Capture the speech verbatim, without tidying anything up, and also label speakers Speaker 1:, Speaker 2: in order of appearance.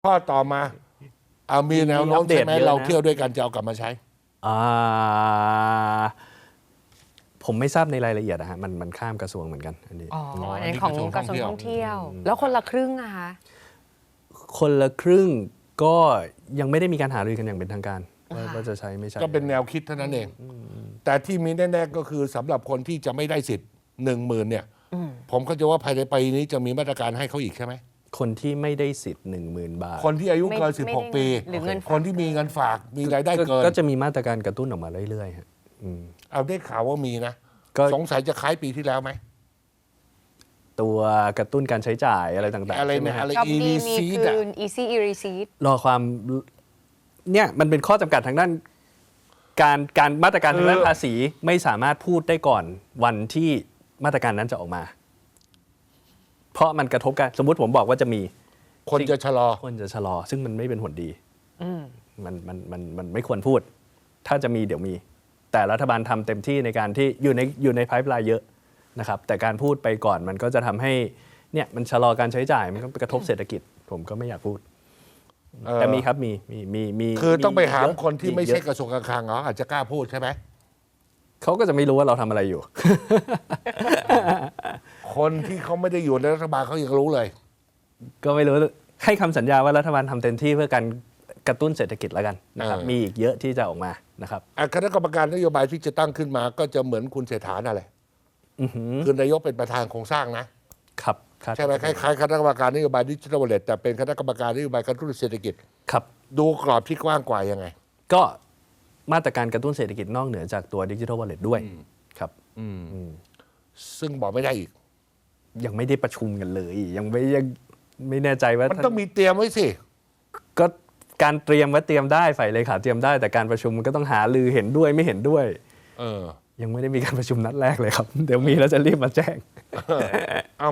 Speaker 1: ข้อต่อมาเอามีแนวโน้มใช่ไหมเราเที่ยวด้วยกันจะเอากลับมาใช้
Speaker 2: อ่าผมไม่ทราบในรายละเอียดนะฮะมันมันข้ามกระทรวงเหมือนกันอันนี้
Speaker 3: อ๋อในของกระทรวงท่องเที่ยว แล้วคนละครึ่งอะคะ
Speaker 2: คนละครึ่งก็ยังไม่ได้มีการหารือกันอย่างเป็นทางการว่าจะใช้ไม่ใช่
Speaker 1: ก็เป็นแนวคิดเท่านั้นเองแต่ที่มีแน่ๆก็คือสำหรับคนที่จะไม่ได้สิทธิ์หนึ่งหมื่นเนี่ยผมก็จะว่าภายในปีนี้จะมีมาตรการให้เขาอีกใช่ไหม
Speaker 2: คนที่ไม่ได้สิทธิ์หนึ่งหมื่นบาท
Speaker 1: คนที่อายุเกินสิบหกปี
Speaker 3: หรือเงิน
Speaker 1: คนที่มีเงินฝากมีรายได้เกิน
Speaker 2: ก็จะมีมาตรการกระตุ้นออกมาเรื่อยๆฮะ
Speaker 1: เอาได้ข่าวว่ามีนะสงสัยจะคล้ายปีที่แล้วไหม
Speaker 2: ตัวกระตุ้นการใช้จ่ายอะไรต่างๆ
Speaker 1: อะไรเนี่ยอะไร
Speaker 3: อี รีซีด Easy e-receipt
Speaker 2: รอความเนี่ยมันเป็นข้อจำกัดทางด้านการการมาตรการทางด้านภาษีไม่สามารถพูดได้ก่อนวันที่มาตรการนั้นจะออกมาเพราะมันกระทบกันสมมุติผมบอกว่าจะมี
Speaker 1: คนจะชะลอ
Speaker 2: คนจะชะลอซึ่งมันไม่เป็นผลดีมันมันมันมันไม่ควรพูดถ้าจะมีเดี๋ยวมีแต่รัฐบาลทำเต็มที่ในการที่อยู่ในอยู่ในไพป์ไลน์เยอะนะครับแต่การพูดไปก่อนมันก็จะทำให้เนี่ยมันชะลอการใช้จ่ายมันก็กระทบเศรษฐกิจผมก็ไม่อยากพูดแต่มีครับมีมีมีมี
Speaker 1: คือต้องไปหาคนที่ไม่ใช่กระทรวงการคลังเหรออาจจะกล้าพูดใช่ไหม
Speaker 2: เขาก็จะไม่รู้ว่าเราทำอะไรอยู่
Speaker 1: คนที่เขาไม่ได้อยู่ในรัฐบาลเขายังรู้เลย
Speaker 2: ก็ไม่รู้ให้คำสัญญาว่ารัฐบาลทำเต็มที่เพื่อการกระตุ้นเศรษฐกิจแล้วกันนะครับมีอีกเยอะที่จะออกมานะครับ
Speaker 1: คณะกรรมการนโยบายที่จะตั้งขึ้นมาก็จะเหมือนคุณเศรษฐานั่นแหละคือนายกเป็นประธานโครงสร้างนะครับใช่ไหมคล้ายๆคณะกรรมการนโยบายดิจิทัลวอลเล็ตแต่เป็นคณะกรรมการนโยบายกระตุ้นเศรษฐกิจ
Speaker 2: ครับ
Speaker 1: ดูกรอบที่กว้างกว่ายังไง
Speaker 2: ก็มาตรการกระตุ้นเศรษฐกิจนอกเหนือจากตัวดิจิทัลวอลเล็ตด้วยครับ
Speaker 1: ซึ่งบอกไม่ได้อีก
Speaker 2: ยังไม่ได้ประชุมกันเลยยังไม่ยังไม่แน่ใจว่า
Speaker 1: มันต้องมีเตรียมไว้สิ
Speaker 2: ก็การเตรียมไว้เตรียมได้ฝ่ายเลขาเตรียมได้แต่การประชุมมันก็ต้องหาลือเห็นด้วยไม่เห็นด้วย
Speaker 1: เออ
Speaker 2: ยังไม่ได้มีการประชุมนัดแรกเลยครับเดี๋ยวมีแล้วจะรีบมาแจ้ง